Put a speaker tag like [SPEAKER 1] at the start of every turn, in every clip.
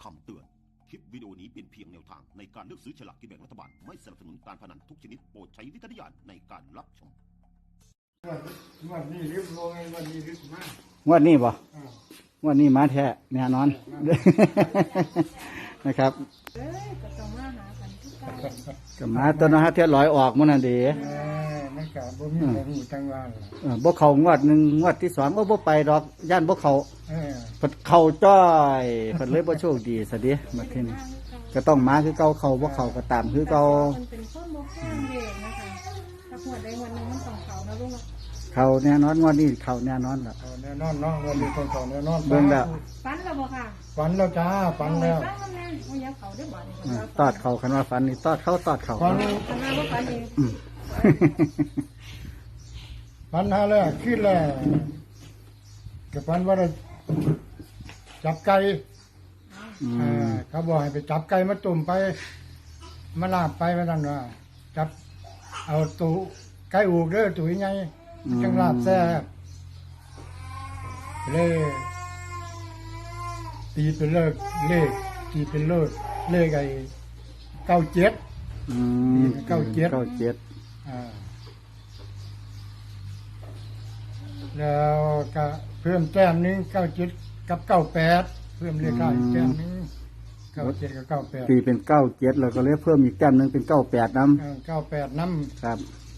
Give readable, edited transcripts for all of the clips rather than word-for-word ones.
[SPEAKER 1] คำเตือนคลิปวิดีโอนี้เป็นเพียงแนวทางในการเลือกซื้อฉลากกินแบ่งรัฐบาลไม่สนับสนุนการพนันทุกชนิดโปรดใช้วิจารณญาณในการรับชม
[SPEAKER 2] วันนี้รีบลงวันนี้รีบมาก
[SPEAKER 3] งวดนี้บ่งวดนี้มาแท้แน่นอน นะครับ
[SPEAKER 4] ก็ต้องมาหากันทุกเก้า
[SPEAKER 3] ก็มาตัวนะฮะเที่ยวลอยออกมันน่ะเด้
[SPEAKER 2] มันกะบ่มีอะไรหูจังว่า
[SPEAKER 3] บ่เข้างวดหนึ่งงวดที่สองบ่ไปดอกย่านบ่เข้าเพิ่นเข้าจ้อยเพิ่นเลยบ่โชคดีซะเด้บัดทีนี้ก็ต้องมาคือเก่าเข้าบ่เข้าก็ตามคือเก่า
[SPEAKER 4] มันเป็นข้อมูลแค่เด็กนะคะถ้าหัวใดวันหนึ่งมันต้องเขานะลูก
[SPEAKER 3] เข้าแน่นอนงวดนี้เข้าแน่นอนล่ะ
[SPEAKER 2] แน่นอนเนาะวันนี้ต้องเข้าแน่นอน
[SPEAKER 3] เบิ่งแล้ว
[SPEAKER 4] ฝันแล้วบ่ค่ะ
[SPEAKER 2] ฝันแล้วจ้าฝันแล้ว
[SPEAKER 4] ฝันแล้วโอ้ยเขาได้บ่นี่
[SPEAKER 3] ตอดเข้าคันว่าฝันนี่ตอดเข้าตอดเข้า
[SPEAKER 2] ฝัน
[SPEAKER 4] ว่าฝันเอง
[SPEAKER 2] ฝันหาแล้วขึ้นแล้วก็ฝันว่าจับไก่เขาบอกให้ไปจับไก่มาตุ่มไปมาลาบไปว่านั่นว่าจับเอาตู้ไก่อูกเด้อตู้ใหญ่จังลาบแซ่บเลยตีเป็นเลขตีเป็นเลขไอ้97แล้วก็เพิ่มแต้มนึง97กับ98เพิ่มเลขได้แต้มนึง97กับ98
[SPEAKER 3] ตีเป็น97แล้วก็เลยเพิ่มอีกแต้มนึงเป็น98นำ
[SPEAKER 2] 98นำ
[SPEAKER 3] ครับ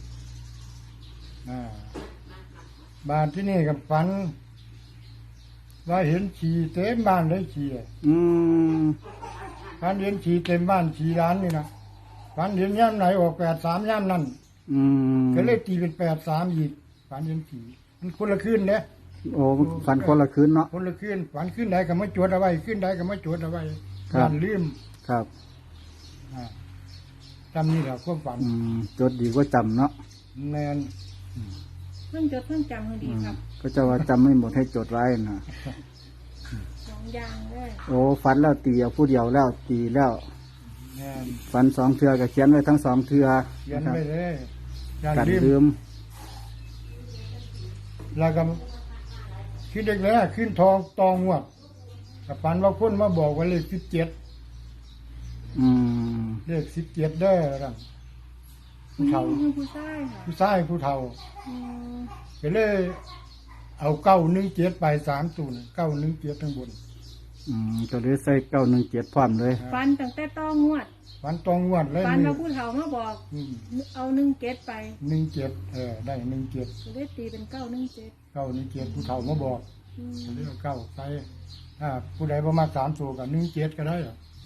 [SPEAKER 2] บ้านที่นี่กับฝันว่าเห็นฉี่เต็มบ้านเลยฉี่ฝันเห็นฉี่เต็มบ้านฉี่ร้านนี่นะฝันเห็นย่ำไหนออก83ย่ำนั่นก็เลยตีเป็น83อีกฝันเห็นฉี่มันคนละคืนเนี่ย
[SPEAKER 3] โอ้ฝันคนละคืนเนาะ
[SPEAKER 2] คนละคืนฝันคืนใดก็ไม่จดเอาไว้คืนใดก็ไม่จดเอาไว้ฝันลืม
[SPEAKER 3] ครับ
[SPEAKER 2] จำนี่แหละความฝัน
[SPEAKER 3] จดดีกว่าจำเนาะ
[SPEAKER 2] แมน
[SPEAKER 4] เพิ่งจดเพิ่งจำให้ดีครับ
[SPEAKER 3] ก็จะว่าจำไม่หมดให้จดไว้นะ
[SPEAKER 4] 2อย่างเลย
[SPEAKER 3] โอ้ฝันแล้วตีเอาผู้เดียวแล้วตีแล้วฝัน2เทื่อก็เขียนไว้ทั้ง2เทื่อ
[SPEAKER 2] เขียนไว้เลย
[SPEAKER 3] กันลืม
[SPEAKER 2] แล้วก็ขึ้นเด็กแล้วขึ้นทองตองวดกับฝันว่าคนมาบอกว่าเลข17เลข17ได้แล้วผู้เฒ่า
[SPEAKER 4] ผู้ชายค่ะ
[SPEAKER 2] ผู้ชายผู้เฒ่าก็เลยเอา917ไป3ตัว917ข้างบน
[SPEAKER 3] ก็เลยใส่917พร้อมเลย
[SPEAKER 4] ฟันตั้งแต่ต้องวด
[SPEAKER 2] ฟันตองวดเลย
[SPEAKER 4] ฟันมาผู้เฒ่ามาบอกเอา17ไป
[SPEAKER 2] 17ได้17
[SPEAKER 4] ก็เลยตีเป็น
[SPEAKER 2] 917ผู้เฒ่ามาบอกเรียก9ใส่ผู้ใดบ่มา3ตัวก็17ก็ได้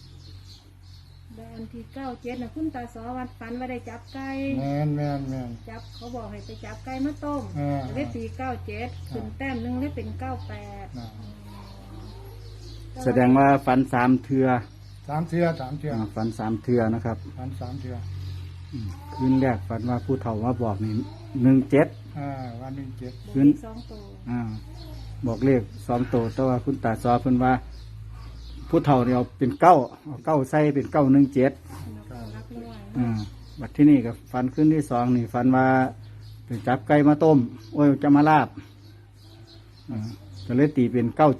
[SPEAKER 4] อันที่97น่ะคุณตาสอวัดฝันว่าได้จับไก่
[SPEAKER 2] แม่น
[SPEAKER 4] จับเขาบอกให้ไปจับไก่มาต้มได้ตี97ขึ้นแต้มนึงได้เป็น98
[SPEAKER 3] แสดงว่าฝัน3เทื่อ
[SPEAKER 2] 3เทื่อ
[SPEAKER 3] ฝัน3เทื่อนะครับ
[SPEAKER 2] ฝัน3เทื่อ
[SPEAKER 3] คืนแรกฝันว่าผู้เฒ่ามาบอกนี่17
[SPEAKER 2] วัน17
[SPEAKER 4] คืน2ตัว
[SPEAKER 3] บอกเลข2ตัวแต่ว่าคุณตาสอเพิ่นว่าผู้เฒ่าเนี่ยเอาเป็น9ใส่เป็น917บัดที่นี่กับฟันขึ้นที่2นี่ฟันว่าเป็นจับไก่มาต้มโอ้ยจะมาลาบก็เลยตีเป็น97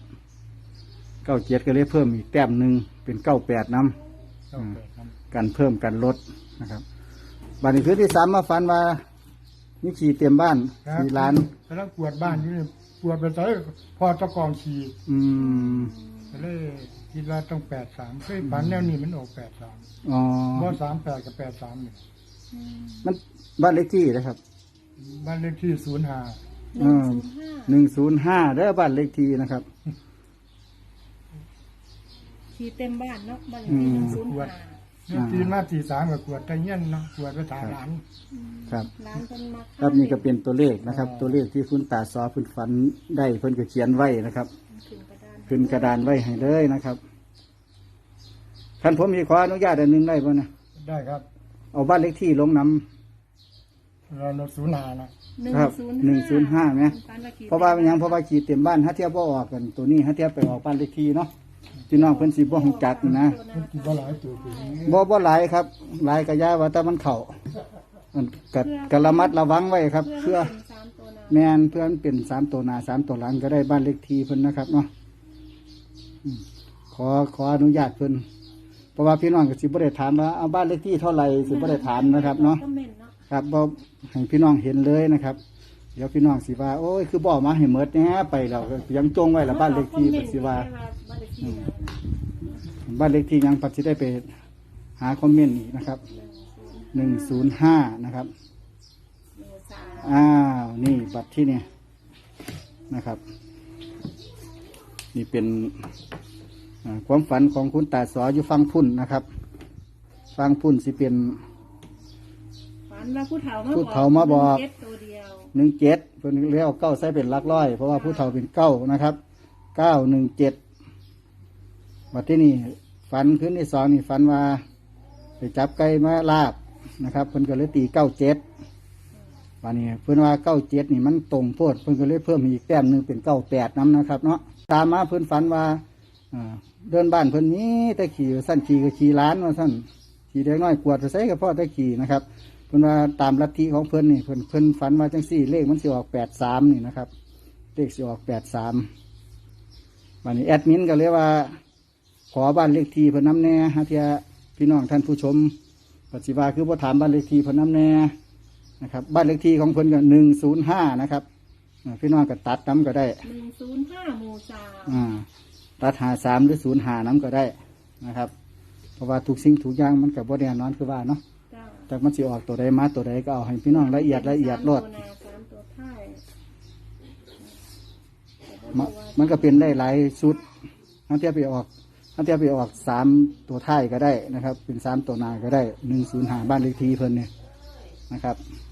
[SPEAKER 3] ก็เลยเพิ่มอีกแต้มนึงเป็น98นำกันเพิ่มกันลดนะครับบัดนี้คืนที่3มาฟันว่านี่ขี่เต็มบ้านขี่ร้าน
[SPEAKER 2] กำลังกวดบ้านอยู่นี่กวดไปใส่พอตะกองขี่ก็เลยคิดว่าต้อง83เคยฝันแนวนี้มันออก83บ่38กับ83นี่
[SPEAKER 3] มันบ้านเลขที่นะครับ
[SPEAKER 2] บ้านเลขที่
[SPEAKER 3] 105เด้อบ้านเลขที่นะครับ
[SPEAKER 4] ขี่เต็มบ้านเนาะบ้านเลขที่
[SPEAKER 2] 105ตีมาตี3ก็กวดตะเงี้ยนเนาะกวดไปถามหลาน
[SPEAKER 3] ครับครับนี่ก็เป็นตัวเลขนะครับตัวเลขที่คุณตาสอเพิ่นฝันได้เพิ่นก็เขียนไว้นะครับขึ้นกระดานไว้ให้เลยนะครับท่านผมมีขออนุญาตอันนึงได้ป่ะนะ
[SPEAKER 2] ได้ครับ
[SPEAKER 3] เอาบ้านเลขที่ลงน
[SPEAKER 2] ำเรา05
[SPEAKER 3] นะครับ105ไหมเพราะว่าเป็นยังเพราะว่าขี่เต็มบ้านถ้าเทียบบ่ออกกันตัวนี้ถ้าเทียบไปออกบ้านเลขที่เนาะพี่น้องเพิ่นสิบ่ฮู้จักนะ
[SPEAKER 2] บ่หลายตัว
[SPEAKER 3] บ่หลายครับหลายก็ย่าว่าแต่มันเข้ามันก็ระมัดระวังไว้ครับเพื่อแม่นเพื่อนเป็น3ตัวหน้า3ตัวหลังก็ได้บ้านเลขที่เพิ่นนะครับเนาะขออนุญาตเพิ่นเพราะว่าพี่น้องก็สิบ่ได้ถามว่าเอาบ้านเลขที่เท่าไหร่สิบ่ได้ถามนะครับเนาะ
[SPEAKER 4] คอมเมนต์เนาะ
[SPEAKER 3] ครับบ่ให้พี่น้องเห็นเลยนะครับ เดี๋ยวพี่น้องสิว่าโอ้ยคือบ่มาให้หมดแหน่ไปแล้วก็ยังจงไว้ละบ้านเลขที่ก็สิว่า
[SPEAKER 4] บ้านเลขที่นะ
[SPEAKER 3] บ้านเลขที่ยังปัจจุได้ไปหาคอมเมนต์อีกนะครับ105นะครับ
[SPEAKER 4] เมษา
[SPEAKER 3] อ้าวนี่บัตรที่เนี่ยนะครับ นี่เป็นความฝันของคุณตาสออยู่ฟังพุ่นนะครับ ฟังพุ่นสิเป็น
[SPEAKER 4] ฝันว่าผู้เฒ่า
[SPEAKER 3] ผู้เฒ่ามาบอก
[SPEAKER 4] เจ็ดตัวเดียว
[SPEAKER 3] 17เพิ่นเรียกเก้าใส่เป็นหลักร้อย เพราะว่าผู้เฒ่าเป็นเก้านะครับ917บัดที่นี่ฝันขึ้นที่สองนี่ฝันว่าไปจับไก่มาลาบนะครับเพิ่นก็เลยตี97วันนี้เพิ่นว่า97นี่มันตรงโพดเพิ่นก็เลยเพิ่มอีกแต้มหนึงเป็น98นํนะครับเนาะตามมาเพิ่นฝันว่าเดินบ้านเพิ่นนี้แต่ขี่สั้นขี่ก็ขี่ล้านว่าสั้นขี่เด็กน้อยกวดไปใส่กับพ่อแต่ขี่นะครับเพิ่นว่าตามลัทธิของเพิ่นนี่เพิ่นฝันว่าจังซี่เลขมันสิออก83นี่นะครับเลขสิออก83วันนี้แอดมินก็เลยว่าขอบ้านเลขที่เพิ่นนำแน่ฮะเทียพี่น้องท่านผู้ชมปัจจุบันคือบ่ถามบ้านเลขที่เพิ่นนำแน่นะครับบ้านเลขที่ของเพิ่นก็105นะครับพี่น้องก็ตัดนำก็ได้
[SPEAKER 4] 105หมู่3
[SPEAKER 3] ตัด53หรือ05นำก็ได้นะครับเพราะว่าทุกสิ่งทุกอย่างมันก็บ่แน่นอนคือว่าเนาะ
[SPEAKER 4] จ้า
[SPEAKER 3] แต่มันสิออกตัวใดมาตัวใดก็เอาให้พี่น้องละเอียดโลด
[SPEAKER 4] 3ตัวท้าย
[SPEAKER 3] มันก็เป็นได้หลายชุดทั้งเทียบไปออก3ตัวท้ายก็ได้นะครับ เป็น3ตัวหน้าก็ได้105บ้านเลขที่เพิ่นเนี่ยนะครับ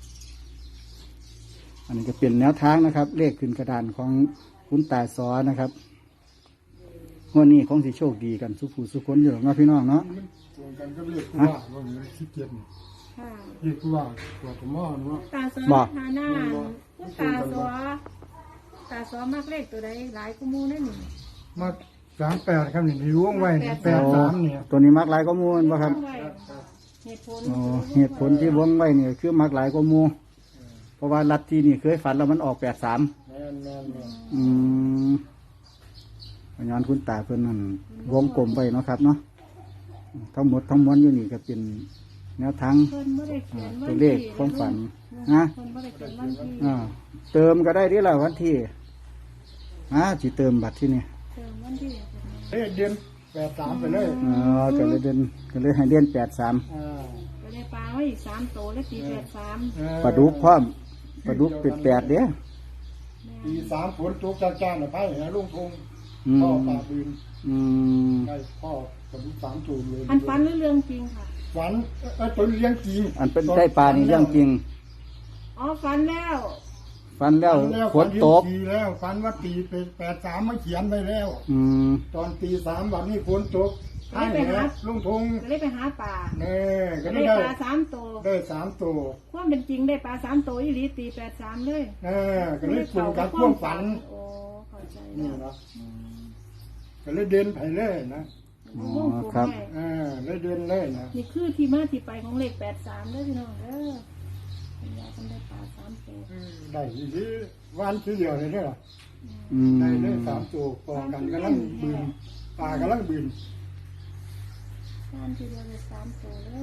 [SPEAKER 3] อันนี้ก็เป็นแนวทางนะครับ เลขขึ้นกระดานของคุณตาสอนะครับงวดนี้คงสิโชคดีกันสุผู้สุคนอยู่เนาะพี่น้องเนาะ
[SPEAKER 2] ตรงกันก็เรียกว่ามันขี้เกียจ
[SPEAKER 4] ค่ะ
[SPEAKER 2] เรียกว่าตัวกระหม้อเนาะ
[SPEAKER 4] ตาสอทาหน้าผู้ตาสอมากเลขตัวใดหลายกูมูนั่นนี่
[SPEAKER 2] มา38ครับนี่ล้วงไว้83เนี่ย
[SPEAKER 3] ตัวนี้มักหลายก็มูลบ่ครับ
[SPEAKER 4] เหตุผล
[SPEAKER 3] เหตุผลที่วงไว้เนี่ยคือมักหลายก็มูเพราะว่าลัทธินี่เคยฝันแล้วมันออก83
[SPEAKER 2] แม่น
[SPEAKER 3] อืมย้อนคุณตาเพิ่นนั่นวงกลมไปเนาะครับเนาะทั้งหมดทั้งมวลอยู่นี่ก็เป็นแนวทาง
[SPEAKER 4] เพิ่นบ่ได้เขียนวัน
[SPEAKER 3] ตัวเลขความฝันนะ
[SPEAKER 4] เพิ่นบ่ได้เขียนวันที่
[SPEAKER 3] เติมก็ได้ที่ละวันที่ที่เติมบัตรที่นี่
[SPEAKER 4] เติมวันที่
[SPEAKER 2] เฮ้ยเดือน83ไปเลย
[SPEAKER 3] ก็เลยให้เดือน83
[SPEAKER 2] อ่า
[SPEAKER 4] ก็ได้ปลาไว้อีก3ตัวแล้วปี83
[SPEAKER 3] ปลาดุกพร้อมปลาดุกเป็น8เด้อ
[SPEAKER 2] ปี3ฝนตกจ้าๆน่ะไปหาลุงทง
[SPEAKER 3] อืม
[SPEAKER 2] พ่อป่าบืน
[SPEAKER 3] อืม
[SPEAKER 2] ได้พ่อกับลูก3จูนเลย
[SPEAKER 4] อันฝันหรือเรื่องจริงค่ะ
[SPEAKER 2] ฝันตัวเลี้ยงจริง
[SPEAKER 3] อันเป็นได้ปลานี่เรื่องจริง
[SPEAKER 4] อ๋อฝันแล้ว
[SPEAKER 3] ฟันแล้วฝนตก
[SPEAKER 2] ทีแล้วฝันว่าตีเป็น83มาเขียนไปแล้ว
[SPEAKER 3] อืม
[SPEAKER 2] ตอนตี3วันนี้ฝนตกให้แล้วลุงทง
[SPEAKER 4] ก็เลยไปหาปลา
[SPEAKER 2] แน่ก็
[SPEAKER 4] ได้
[SPEAKER 2] ได้
[SPEAKER 4] ปลา3ตัว
[SPEAKER 2] ได้3ตัว
[SPEAKER 4] ความเป็นจริงได้ปลา3ตัวอีหลีตี83เลย
[SPEAKER 2] ก็เลยปรุงกับพ่วงฝัน
[SPEAKER 4] โอ้เข้าใจ
[SPEAKER 2] นี่
[SPEAKER 4] แล้ว
[SPEAKER 2] เนาะก็เลยเดินไปเลยนะ
[SPEAKER 3] อ๋อ
[SPEAKER 4] วงกลม
[SPEAKER 3] ครับ
[SPEAKER 4] ให้
[SPEAKER 2] เลยเดินเลยนะ
[SPEAKER 4] นี่คือที่มาที่ไปของเลข83เด้อพี่น้องเด้อคุณยายเพิ่นได้ปลา3ตัว
[SPEAKER 2] ได้ที่วันที่เดียวเลยเนี่ย
[SPEAKER 3] อืม
[SPEAKER 2] ได้เลย3ตัวกองกันกำลังบืนปลากำลังบืน
[SPEAKER 4] บ้านทีเดียวได้3ตัวเลย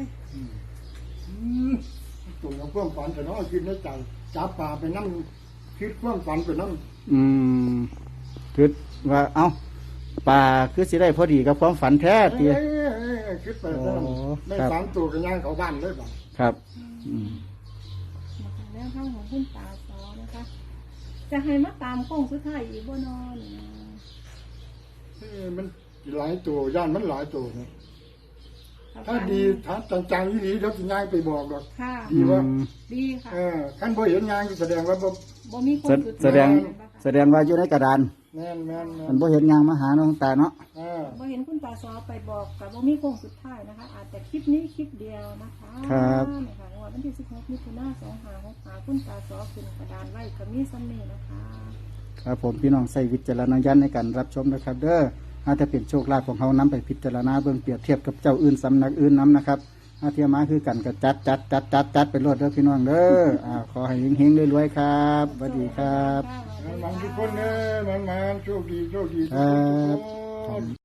[SPEAKER 2] ตุ่มกับพ่วงฝันแต่น้องคิดในใจจับปลาไปนั่งคิดพ่วงฝันไปนั่ง
[SPEAKER 3] อืมคือว่าเอ้าปลาคือสิได้พอดีกับความฝันแท้ตี
[SPEAKER 2] คิดไปนั่งได้
[SPEAKER 3] ครับ
[SPEAKER 2] 3ตัวกันย่างเขาบ้านเลยบ่
[SPEAKER 3] ครับอืม
[SPEAKER 4] นะคะแล้วข้างของคุณตาสอนะคะ จะให้มาตามโค้งสุดท้ายอีกบ่นอน
[SPEAKER 2] มันหลายตัวย่านมันหลายตัวนะถ้าดีถ้าจังๆดีๆเดี๋ยวจะย่างไปบอกดอก
[SPEAKER 4] ค่ะ
[SPEAKER 2] ดีว่า
[SPEAKER 4] ดีค่ะ
[SPEAKER 2] ขั้นบ่เห็นย่างแสดงว่าบ่
[SPEAKER 4] บ่มีโค้งสุด
[SPEAKER 3] แสดงว่าอยู่ในกระดาน
[SPEAKER 2] แม่น
[SPEAKER 3] มันบ่เห็นหยังมาหาน้องตาเนาะ
[SPEAKER 4] บ่เห็นคุณตาสอไปบอกกับบ่มีโค้งสุดท้ายนะคะ อาจจะคลิปนี้คลิปเดียวนะคะนะคะวันที่16มิถุนายน2565คุณตาสอขึ้นกระดานไว้ก็มีซ้ำนี้นะคะ
[SPEAKER 3] ครับผมพี่น้องใส่วิจารณญาณในการรับชมนะครับ เด้ออาจจะเป็นโชคลาภของเขานำไปพิจารณาเบิ่งเปรียบเทียบกับเจ้าอื่นสำนักอื่นนํนะครับอาเทียมาคือกันก็จัดไปรวดเด้อพี่น้องเด้อขอให้เฮงๆรวยๆครับสวัสดีครับ
[SPEAKER 2] มันทุกคนเด้อมันโชคดี
[SPEAKER 3] ครับ
[SPEAKER 2] ทุกคน